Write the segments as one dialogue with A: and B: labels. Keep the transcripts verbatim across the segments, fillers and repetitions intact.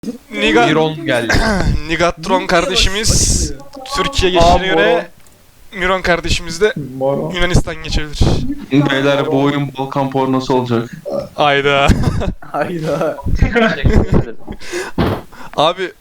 A: Niga
B: Miron geldi.
A: Nigatron kardeşimiz Türkiye geçişine göre Miron kardeşimiz de
C: Moro.
A: Yunanistan geçebilir.
B: Beyler bu oyun Balkan pornosu olacak.
A: Ayda.
C: Hayda.
A: Abi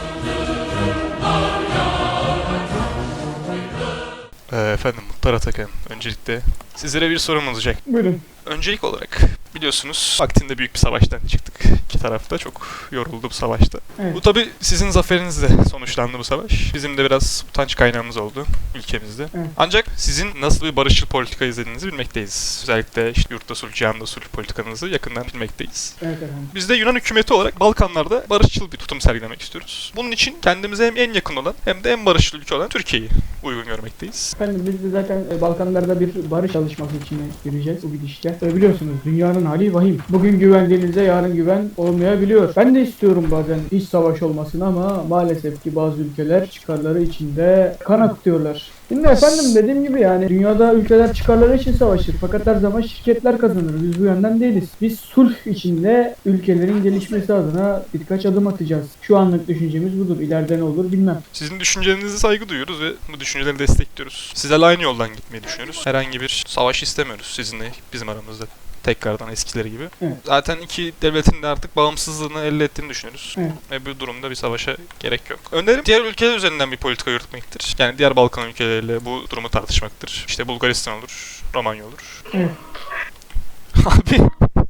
A: Ee, efendim Muhtar Atakan, öncelikle sizlere bir sorum olacak.
C: Buyurun.
A: Öncelik olarak biliyorsunuz vaktinde büyük bir savaştan çıktık. İki tarafta çok yoruldu bu savaşta.
C: Evet.
A: Bu tabi sizin zaferinizle sonuçlandı bu savaş. Bizim de biraz utanç kaynağımız oldu ülkemizde.
C: Evet.
A: Ancak sizin nasıl bir barışçıl politika izlediğinizi bilmekteyiz. Özellikle işte yurtta sulh, cihanda sulh politikanızı yakından bilmekteyiz.
C: Evet efendim.
A: Biz de Yunan hükümeti olarak Balkanlarda barışçıl bir tutum sergilemek istiyoruz. Bunun için kendimize hem en yakın olan hem de en barışçıl ülke olan Türkiye'yi uygun görmekteyiz.
C: Efendim biz de zaten e, Balkanlarda bir barış çalışması içine gireceğiz bu gidişle. E, biliyorsunuz dünyanın hali vahim. Bugün güvendiğinizde yarın güven olmayabiliyor. Ben de istiyorum bazen iç savaş olmasını ama maalesef ki bazı ülkeler çıkarları içinde kan akıtıyorlar. Şimdi efendim dediğim gibi yani dünyada ülkeler çıkarları için savaşır fakat her zaman şirketler kazanır. Biz bu yönden değiliz. Biz sulh içinde ülkelerin gelişmesi adına birkaç adım atacağız. Şu anlık düşüncemiz budur. İleride ne olur bilmem.
A: Sizin düşüncelerinize saygı duyuyoruz ve bu düşünceleri destekliyoruz. Sizlerle aynı yoldan gitmeyi düşünüyoruz. Herhangi bir savaş istemiyoruz sizinle bizim aramızda. Tekrardan eskileri gibi.
C: Evet.
A: Zaten iki devletin de artık bağımsızlığını elde ettiğini düşünüyoruz.
C: Evet.
A: Ve bu durumda bir savaşa gerek yok. Önerim diğer ülkeler üzerinden bir politika yürütmektir. Yani diğer Balkan ülkeleriyle bu durumu tartışmaktır. İşte Bulgaristan olur, Romanya olur.
C: Evet.
A: Abi.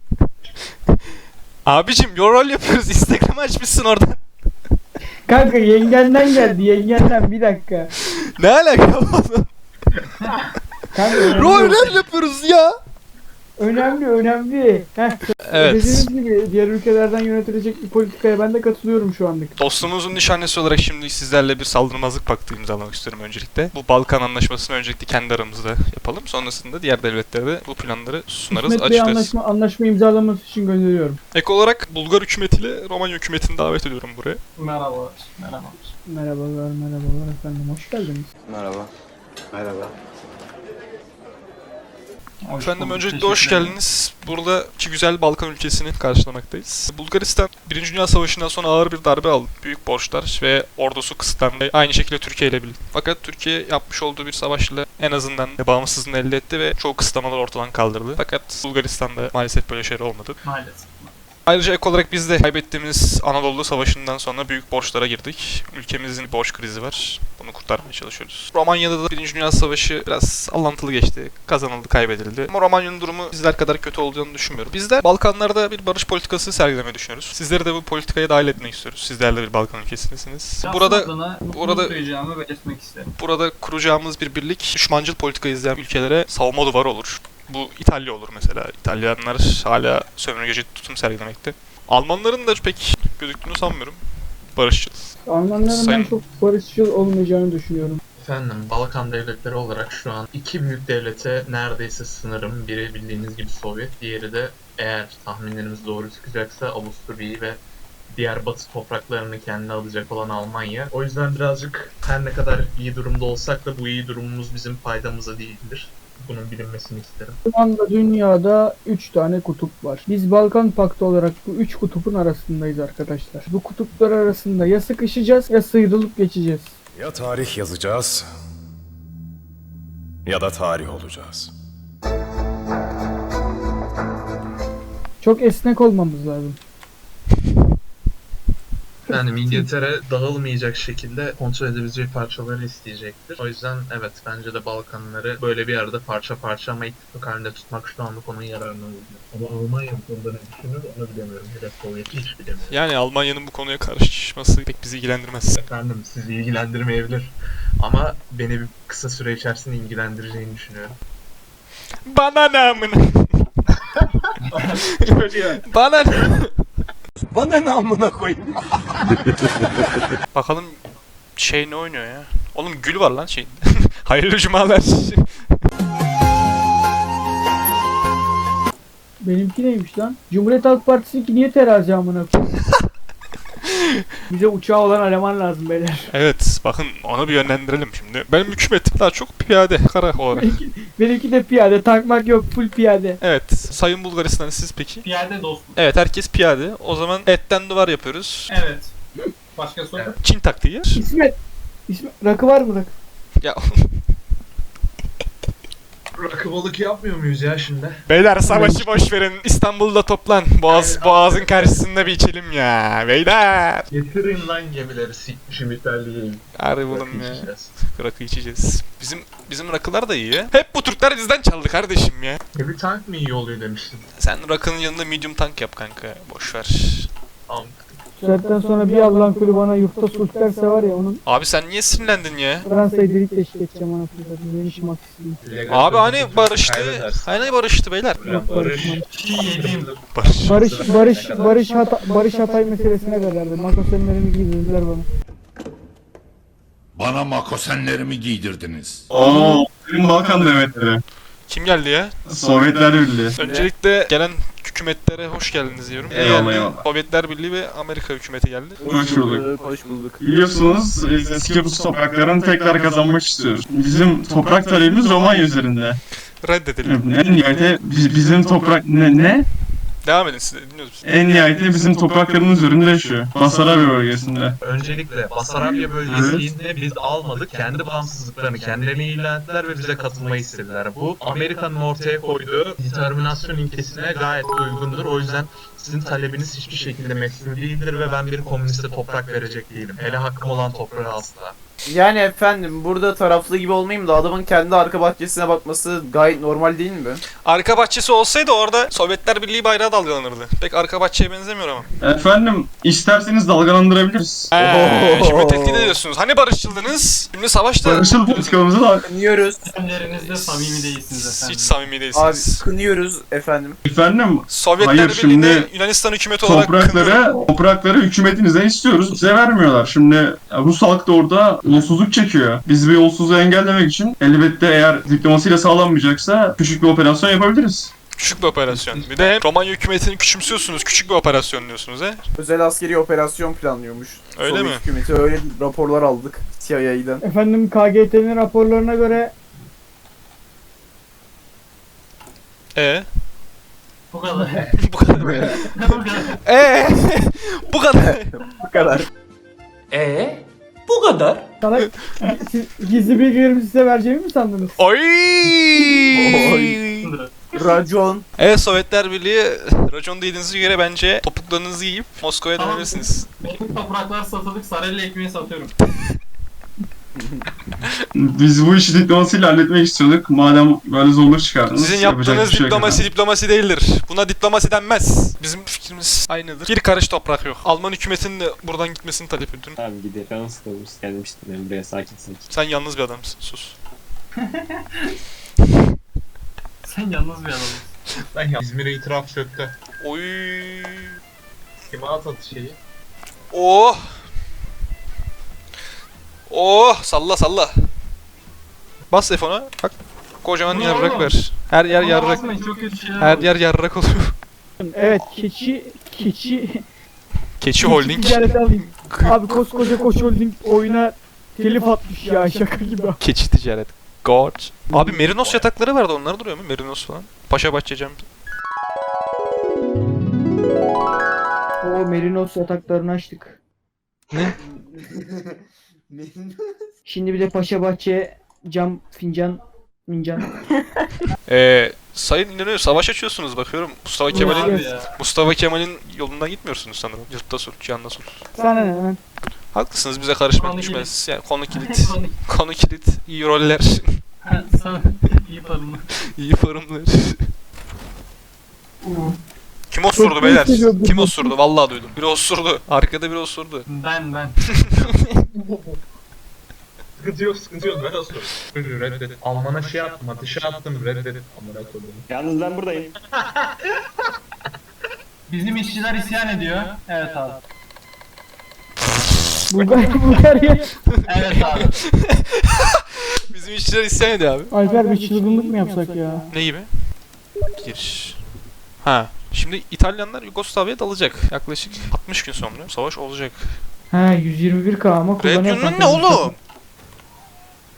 A: Abicim rol yapıyoruz. Instagram'ı açmışsın oradan.
C: Kanka yengenden geldi yengenden bir dakika.
A: Ne alaka oğlum?
C: Kanka önemli,
A: Rol yapıyoruz ya.
C: önemli önemli. Heh,
A: Evet.
C: dediğiniz gibi diğer ülkelerden yönetilecek bir politikaya ben de katılıyorum şu anlık.
A: Dostluğumuzun nişanesi olarak şimdi sizlerle bir saldırmazlık paktı imzalamak istiyorum öncelikle. Bu Balkan Anlaşması'nı öncelikle kendi aramızda yapalım. Sonrasında diğer devletlere de bu planları sunarız,
C: İsmet Bey
A: açıklarız.
C: anlaşma, anlaşma imzalaması için gönderiyorum.
A: Ek olarak Bulgar hükümetiyle Romanya hükümetini davet ediyorum buraya.
D: Merhaba. Merhaba.
C: Merhabalar merhabalar efendim hoş geldiniz.
D: Merhaba. Merhaba.
A: Efendim öncelikle hoş geldiniz. Burada iki güzel Balkan ülkesini karşılamaktayız. Bulgaristan Birinci Dünya Savaşı'ndan sonra ağır bir darbe aldı. Büyük borçlar ve ordusu kısıtlandı. Aynı şekilde Türkiye ile birlikte. Fakat Türkiye yapmış olduğu bir savaşla en azından bağımsızlığını elde etti ve çoğu kısıtlamaları ortadan kaldırdı. Fakat Bulgaristan'da maalesef böyle şeyler olmadı.
D: Maalesef.
A: Ayrıca ek olarak biz de kaybettiğimiz Anadolu Savaşı'ndan sonra büyük borçlara girdik. Ülkemizin bir borç krizi var. Bunu kurtarmaya çalışıyoruz. Romanya'da da Birinci Dünya Savaşı biraz sallantılı geçti. Kazanıldı, kaybedildi. Ama Romanya'nın durumu bizler kadar kötü olduğunu düşünmüyorum. Bizler Balkanlarda bir barış politikası sergilemeyi düşünüyoruz. Sizleri de bu politikaya dahil etmek istiyoruz. Sizler de bir Balkan ülkesindesiniz. Burada burada
D: duyacağımı belirtmek isterim.
A: burada kuracağımız bir birlik düşmancıl politika izleyen ülkelere savunma duvarı olur. Bu İtalya olur mesela. İtalyanlar hala sömürgeci tutum sergilemekte. Almanların da pek gözüktüğünü sanmıyorum. Barışçıl.
C: Almanların ben
A: Sayın-
C: çok barışçıl olmayacağını düşünüyorum.
E: Efendim, Balkan devletleri olarak şu an iki büyük devlete neredeyse sınırım. Biri bildiğiniz gibi Sovyet, diğeri de eğer tahminlerimiz doğru çıkacaksa Avusturya'yı ve diğer batı topraklarını kendine alacak olan Almanya. O yüzden birazcık her ne kadar iyi durumda olsak da bu iyi durumumuz bizim faydamıza değildir. Bunun bilinmesini isterim.
C: Şu anda dünyada üç tane kutup var. Biz Balkan Paktı olarak bu üç kutupun arasındayız arkadaşlar. Bu kutuplar arasında ya sıkışacağız ya sıyrılıp geçeceğiz.
F: Ya tarih yazacağız ya da tarih olacağız.
C: Çok esnek olmamız lazım.
E: Yani İngiltere dağılmayacak şekilde kontrol edebileceği parçaları isteyecektir. O yüzden evet, bence de Balkanları böyle bir yerde parça parça ama ittifak halinde tutmak şu anda konunun yararına oluyor. Ama Almanya bu konuda ne düşünür onu bilemiyorum. Bir de Sovyet'i hiç bilemiyorum.
A: Yani Almanya'nın bu konuya karışması pek bizi ilgilendirmez.
E: Efendim, sizi ilgilendirmeyebilir. Ama beni bir kısa süre içerisinde ilgilendireceğini düşünüyorum.
A: Bana ne amına? Bana ne?
F: Bana ne amına koyayım?
A: Bakalım şey ne oynuyor ya? Oğlum gül var lan şeyin. Hayırlı cumalar.
C: Benimki neymiş lan? Cumhuriyet Halk Partisi'ninki niye terazi amına koyayım? Bize uçağı olan eleman lazım beyler.
A: Evet bakın onu bir yönlendirelim şimdi. Benim hükümetim daha çok piyade kara olarak.
C: Benimki de piyade, tankmak yok, full piyade.
A: Evet Sayın Bulgaristan siz peki?
D: Piyade dostum.
A: Evet herkes piyade. O zaman etten duvar yapıyoruz.
D: Evet. Başka soru?
A: Çin taktiği.
C: İsmet. İsmet. Rakı var mı rakı?
A: Ya
E: Rakı balık yapmıyor muyuz ya şimdi?
A: beyler savaşı boş verin. İstanbul'da toplan. Boğaz boğazın karşısında bir içelim ya. Beyler.
E: Getirin lan gemileri sikmişim İtalya'yı.
A: Harbi oğlum ya. Rakı içeceğiz. Bizim bizim rakılar da iyi ya. Hep bu Türkler bizden çaldı kardeşim ya.
E: Heavy tank mı iyi oluyor demiştin.
A: Sen rakının yanında medium tank yap kanka. Boş ver.
E: Tamam.
C: Saatten sonra bir Allah'ın kulü bana yurtta sulh derse var ya onun
A: Abi sen niye sinirlendin ya?
C: Fransa'yı delik deşik edeceğim anasını satayım. Yeni şımak isteyeyim.
A: Abi hani barıştı. Hani barıştı beyler.
C: Yok barış.
D: Çiğ yediğim.
A: Barış.
C: Barış, barış, barış, hata, barış Hatay meselesine kadardı. Makosenlerimi giydirdiler bana.
G: Bana makosenlerimi giydirdiniz.
B: Oo, Tüm Balkan devletleri.
A: Kim geldi ya?
B: Sovyetler Birliği.
A: Öncelikle gelen hükümetlere hoş geldiniz diyorum. İyi
B: Eyvallah,
A: geldi.
B: eyvallah.
A: Sovyetler Birliği ve Amerika hükümeti geldi.
B: Hoş bulduk. Biliyorsunuz eski Rus topraklarını tekrar kazanmak istiyoruz. Bizim toprak talebimiz Romanya üzerinde.
A: Reddedelim.
B: En nihayete biz- bizim toprak... Ne? ne?
A: Devam edin siz de dinliyoruz biz.
B: En nihayete bizim topraklarımız üzerinde yaşıyor. Basarabya bölgesinde.
E: Öncelikle Basarabya bölgesini biz almadık. Kendi bağımsızlıklarını kendilerine ilan ettiler ve bize katılmayı istediler. Bu Amerika'nın ortaya koyduğu determinasyon ilkesine gayet de uygundur. O yüzden sizin talebiniz hiçbir şekilde meşru değildir ve ben bir komüniste toprak verecek değilim. Hele hakkım olan toprağı asla.
H: Yani efendim burada taraflı gibi olmayayım da adamın kendi arka bahçesine bakması gayet normal değil mi?
A: Arka bahçesi olsaydı orada Sovyetler Birliği bayrağı dalgalanırdı. Pek arka bahçeye benzemiyor ama.
B: Efendim isterseniz dalgalandırabiliriz.
A: Eee şimdi tehdit ediyorsunuz. Hani barışçıldınız? Şimdi savaşta...
B: Barışçıl politikamızı da
H: Kınıyoruz.
D: Önlerinizde samimi değilsiniz efendim.
A: Hiç samimi
H: Abi
A: değilsiniz.
H: kınıyoruz efendim.
B: efendim
A: Sovyetler
B: Hayır,
A: Birliği'ni
B: şimdi
A: Yunanistan hükümeti olarak kınıyorum.
B: toprakları toprakları hükümetinizden istiyoruz. Bize vermiyorlar. Şimdi ya, Rus halk da orada yolsuzluk çekiyor. Biz bu yolsuzluğu engellemek için elbette eğer diplomasiyle sağlanmayacaksa küçük bir operasyon yapabiliriz.
A: Küçük bir operasyon. Bir de Romanya hükümetini küçümsüyorsunuz. Küçük bir operasyon diyorsunuz he.
H: Özel askeri operasyon planlıyormuş.
A: Öyle
H: Sovyet
A: mi?
H: hükümeti öyle raporlar aldık C I A'den.
C: Efendim K G T'nin raporlarına göre
A: E
D: Bu kadar.
A: bu kadar.
D: Bu kadar.
A: E bu kadar.
H: Bu kadar.
C: sana siz, gizli bilgilerimi size vereceğimi mi sandınız?
A: Oy!
H: Racon.
A: Evet Sovyetler Birliği racon dediğinize göre bence topuklarınızı yiyip Moskova'ya
D: Tamam.
A: dönebilirsiniz.
D: Benim topraklar satılık, Sarelli ekmeği satıyorum.
B: Biz bu işi diplomasiyle halletmek istiyorduk. Madem böyle zorluk çıkardınız.
A: Sizin
B: yapacak
A: yaptığınız
B: bir şey yok
A: diplomasi
B: efendim.
A: diplomasi değildir. Buna diplomasi denmez. Bizim fikrimiz aynıdır. Bir karış toprak yok. Alman hükümetinin de buradan gitmesini talep ediyorum.
I: Abi gidelim. Ben nasıl kalırız? Gelmiştim ben buraya sakin sakin.
A: Sen yalnız bir adamsın. Sus.
D: Sen yalnız bir adamsın.
E: Ben ya İzmir'e itiraf çöktü.
A: Oy.
E: Kime at atı şeyi?
A: Oh. Oh. Salla salla. Bas F ona. Bak. Kocaman
D: Bu ne
A: yarrak
D: oğlum?
A: ver. Her yer
D: Bana
A: yarrak.
D: bakmayın, çok kötü şeyler
A: Her
D: oluyor.
A: yer yarrak oluyor.
C: Evet keçi keçi
A: Keçi Holding.
C: ticareti alayım. Abi koskoca Koç Holding oyuna telif atmış ya şaka gibi.
A: Keçi ticaret. God. Abi Merinos yatakları vardı, onlar duruyor mu? Merinos falan. Paşa Bahçecem.
C: O Merinos yataklarını açtık.
A: Ne?
C: Şimdi bir de Paşa Bahçe cam fincan mincan.
A: Ee, Sayın İnönü savaş açıyorsunuz bakıyorum. Mustafa Kemal'in
D: Abi ya.
A: Mustafa Kemal'in yolundan gitmiyorsunuz sanırım. Yurtta sulh, cihanda sulh.
C: Sana ne lan?
A: Haklısınız, bize karışmak
D: Konu
A: düşmez. Yani konu kilit. Konu kilit. İyi roller.
D: Ha, sana iyi parımı.
A: iyi forumlar. Kim osurdu beyler?
C: hissediyordum.
A: Kim osurdu? Vallahi duydum. Biri osurdu. Arkada biri osurdu.
D: Ben ben.
E: Sıkıntı yok, sıkıntı yok. Ben olsun. Reddet. Alman'a şey attım, ateşe attım. Reddet. Amına koydum.
I: Yalnız ben buradayım.
D: Bizim işçiler isyan ediyor. Evet abi.
C: Bulgar Bulgarya.
D: Evet abi.
A: Bizim işçiler isyan ediyor abi.
C: Alper bir çılgınlık mı yapsak ya?
A: Ne gibi? Giriş. Ha. Şimdi İtalyanlar Yugoslavya'ya dalacak. Yaklaşık altmış gün sonra savaş olacak.
C: Ha yüz yirmi bir K ama kullanıyor.
A: Radyonun ne oğlum?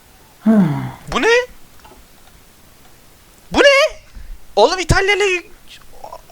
A: Bu ne? Bu ne? Oğlum İtalya'yla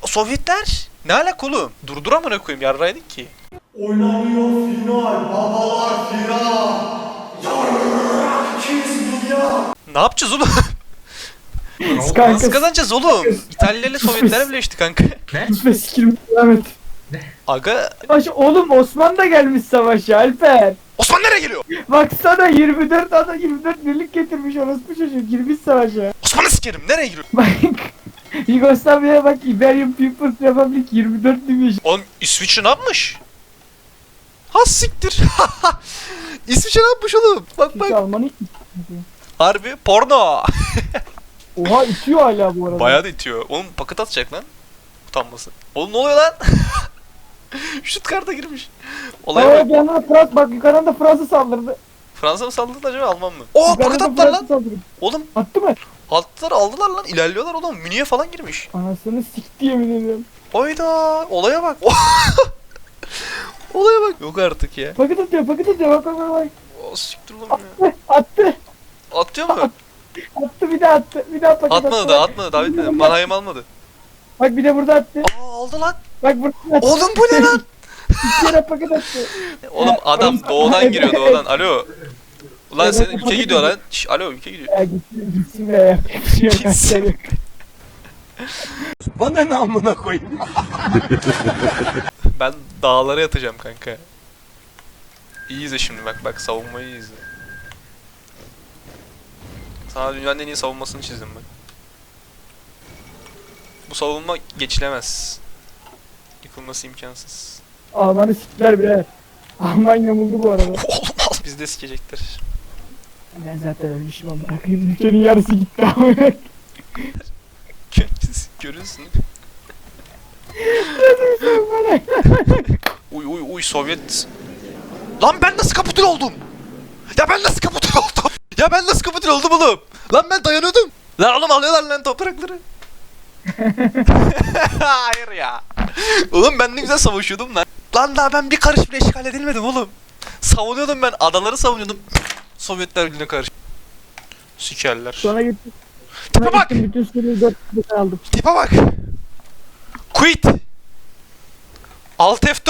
A: Sovyetler? Ne alaka oğlum? Durdur amına koyayım yarraydık ki.
J: Oynanıyor final, babalar firar. Yarrak ikiz dünya.
A: Ne yapacağız oğlum? Nasıl
C: Kanka
A: kazanacağız oğlum? İtalya ile Sovyetler birleşti kanka.
C: lütfen sikirim devam et.
A: Aga
C: Savaş, oğlum Osman da gelmiş savaşa Alper.
A: Osman nereye geliyor?
C: Baksana yirmi dört adam yirmi dört birlik getirmiş orospu çocuk girmiş savaşa.
A: Osman'ı sikerim nereye giriyor?
C: Bak Yugoslavya'ya bak Iberian People's Republic yirmi dört demiş.
A: Oğlum İsviçre ne yapmış? Ha siktir. İsviçre ne yapmış oğlum? Bak
C: Hiç
A: bak.
C: Almanı
A: Harbi porno.
C: Oha itiyor hala bu arada.
A: Bayağı da itiyor. Oğlum paket atacak lan. Utanması. Oğlum ne oluyor lan? Stuttgart'a girmiş. Olaya
C: Aa,
A: bak.
C: bir yandan da Frans bak yukarıdan da Fransa saldırdı.
A: Fransa mı saldırdı acaba Alman mı? Oo paket
C: Yukarıdan
A: attılar
C: Fransa
A: lan.
C: saldırdı.
A: Oğlum
C: Attı mı?
A: attılar aldılar lan. İlerliyorlar oğlum. Münih'e falan girmiş.
C: Anasını sikti yemin ediyorum.
A: Hayda. Olaya bak. Olaya bak. Yok artık ya.
C: Paket atıyor paket atıyor bak bak bak bak.
A: O siktir lan ya.
C: Attı
A: Atıyor mu?
C: attı bir daha attı bir daha paket attı.
A: Atmadı da atmadı. Daha bitmedi. Manayım almadı.
C: Bak bir de burada attı.
A: Aa aldı lan.
C: Bak burada attı.
A: Oğlum bu ne lan?
C: İki yere paket attı.
A: Oğlum adam doğudan giriyor doğudan. Alo. Ulan
C: Evet,
A: senin
C: evet,
A: ülke
C: evet.
A: gidiyor lan. Şş, alo ülke gidiyor.
C: Ya gitsin gitsin be ya. Bir şey yok,
A: Gitsin.
C: kaçlar yok.
F: Bana ne amına koyayım?
A: Ben dağlara yatacağım kanka. İyi izle şimdi bak bak savunmayı iyi izle. Sana dünyanın en iyi savunmasını çizdim bak. Bu savunma geçilemez. Yıkılması imkansız.
C: Almanı siktiler birader. Almanya buldu bu arada.
A: Oğlum al bizi de sikecekler.
C: Ben zaten ölmüşüm ama bırakayım. Ülkenin yarısı gitti ama.
A: Görüyorsun. Uy uy uy Sovyet. Lan ben nasıl kapitül oldum? Ya ben nasıl kapitül oldum? Ya ben nasıl kapitül oldum oğlum? Lan ben dayanıyordum. Lan oğlum alıyorlar lan toprakları. Hayır ya. Oğlum ben ne güzel savaşıyordum lan. Lan daha ben bir karış bile işgal edilmedim oğlum. Savunuyordum ben adaları savunuyordum. Sovyetler Birliği'ne karşı. Sikerler.
C: Sonra gittim.
A: Tipe
C: Sonra
A: bak.
C: gittim bütün Suriye'yi dört kişi aldım.
A: Tipe bak. Quit. Alt F